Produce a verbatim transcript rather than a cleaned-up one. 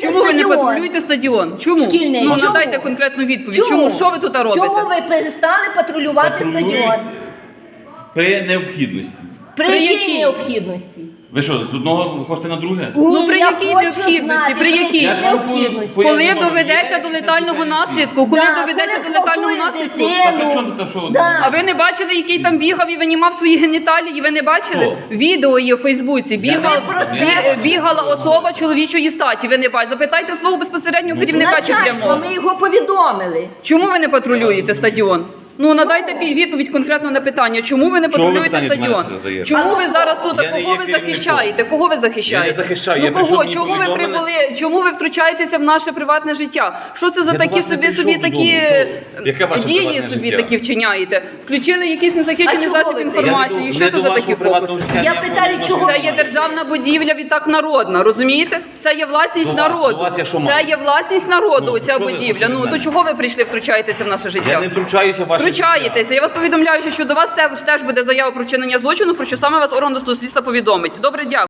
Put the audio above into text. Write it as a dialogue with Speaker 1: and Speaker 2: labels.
Speaker 1: Чому ви не
Speaker 2: стадіон.
Speaker 1: патрулюєте стадіон? Чому?
Speaker 2: Шкільний.
Speaker 1: Ну,
Speaker 2: Чому?
Speaker 1: надайте конкретну відповідь. Чому? Що ви тут робите?
Speaker 2: Чому ви перестали патрулювати
Speaker 3: Патрулюють
Speaker 2: стадіон?
Speaker 3: При необхідності.
Speaker 2: При,
Speaker 1: При
Speaker 2: якій
Speaker 1: якій?
Speaker 2: необхідності?
Speaker 3: Ви що, з одного хочете на друге?
Speaker 1: Ну, при
Speaker 2: я
Speaker 1: якій
Speaker 2: хочу
Speaker 1: необхідності?
Speaker 2: знати,
Speaker 1: При якій?
Speaker 3: Я ж вам
Speaker 2: необхідності?
Speaker 3: по-
Speaker 1: Коли
Speaker 3: Я не можу.
Speaker 1: доведеться
Speaker 3: Є
Speaker 1: до летального
Speaker 3: звичайний
Speaker 1: наслідку? Коли
Speaker 2: Да,
Speaker 1: доведеться
Speaker 2: коли
Speaker 1: до летального
Speaker 2: зґвалтує
Speaker 1: наслідку?
Speaker 2: дитину.
Speaker 3: Так, а чому тут, що?
Speaker 2: Да.
Speaker 1: А ви не бачили, який там бігав і винімав свої геніталії? Ви не бачили?
Speaker 3: Хто?
Speaker 1: Відео є в Фейсбуці. Бігав,
Speaker 2: про це
Speaker 1: бі-
Speaker 2: бачили.
Speaker 1: бігала особа чоловічої статі. Ви не бачите? Запитайте свого безпосереднього
Speaker 3: Ну,
Speaker 1: керівника чи
Speaker 2: Начальство,
Speaker 1: прямого.
Speaker 2: ми його повідомили.
Speaker 1: Чому ви не патрулюєте стадіон? Ну, надайте пі- відповідь конкретно на питання. Чому ви не
Speaker 3: Чого ви
Speaker 1: патрулюєте
Speaker 3: питання до мене
Speaker 1: стадіон?
Speaker 3: задаєте?
Speaker 1: Чому ви зараз тут?
Speaker 3: Я
Speaker 1: А
Speaker 3: не
Speaker 1: кого
Speaker 3: є
Speaker 1: ви
Speaker 3: керівником.
Speaker 1: захищаєте? Кого ви захищаєте?
Speaker 3: Я не захищаю,
Speaker 1: Ну
Speaker 3: я прийшов,
Speaker 1: кого?
Speaker 3: мені
Speaker 1: Чому ви
Speaker 3: повідомили.
Speaker 1: прибули? Чому ви втручаєтеся в наше приватне життя? Що це за
Speaker 3: Я до
Speaker 1: такі
Speaker 3: вас не
Speaker 1: собі
Speaker 3: прийшов
Speaker 1: собі такі
Speaker 3: додому. Що? Яке ваше
Speaker 1: дії
Speaker 3: приватне
Speaker 1: собі
Speaker 3: життя?
Speaker 1: такі вчиняєте? Включили якийсь
Speaker 2: А
Speaker 1: незахищений
Speaker 2: чого
Speaker 1: засіб
Speaker 2: ви?
Speaker 1: інформації.
Speaker 3: Я не
Speaker 1: Що
Speaker 3: до-
Speaker 1: це
Speaker 3: не
Speaker 1: за
Speaker 3: до
Speaker 1: такі
Speaker 3: вашого приватного
Speaker 1: фокуси?
Speaker 3: життя
Speaker 2: Я
Speaker 3: ніякого
Speaker 2: питаю,
Speaker 3: відношення
Speaker 2: чого?
Speaker 1: Це
Speaker 3: не
Speaker 1: є
Speaker 3: маю.
Speaker 1: державна будівля, відтак народна, розумієте? Це є власність
Speaker 3: До вас,
Speaker 1: народу.
Speaker 3: до вас я що
Speaker 1: Це
Speaker 3: маю?
Speaker 1: є власність народу,
Speaker 3: Ну,
Speaker 1: ця
Speaker 3: що ви
Speaker 1: будівля.
Speaker 3: хочете
Speaker 1: Ну
Speaker 3: від
Speaker 1: то
Speaker 3: мене?
Speaker 1: чого ви прийшли втручаєтеся в наше життя?
Speaker 3: Я не втручаюся в ваше
Speaker 1: Втручаєтеся. Я вас повідомляю, що до вас теж, теж буде заява про вчинення злочину, про що саме вас орган досудового слідства повідомить. Добре, дякую.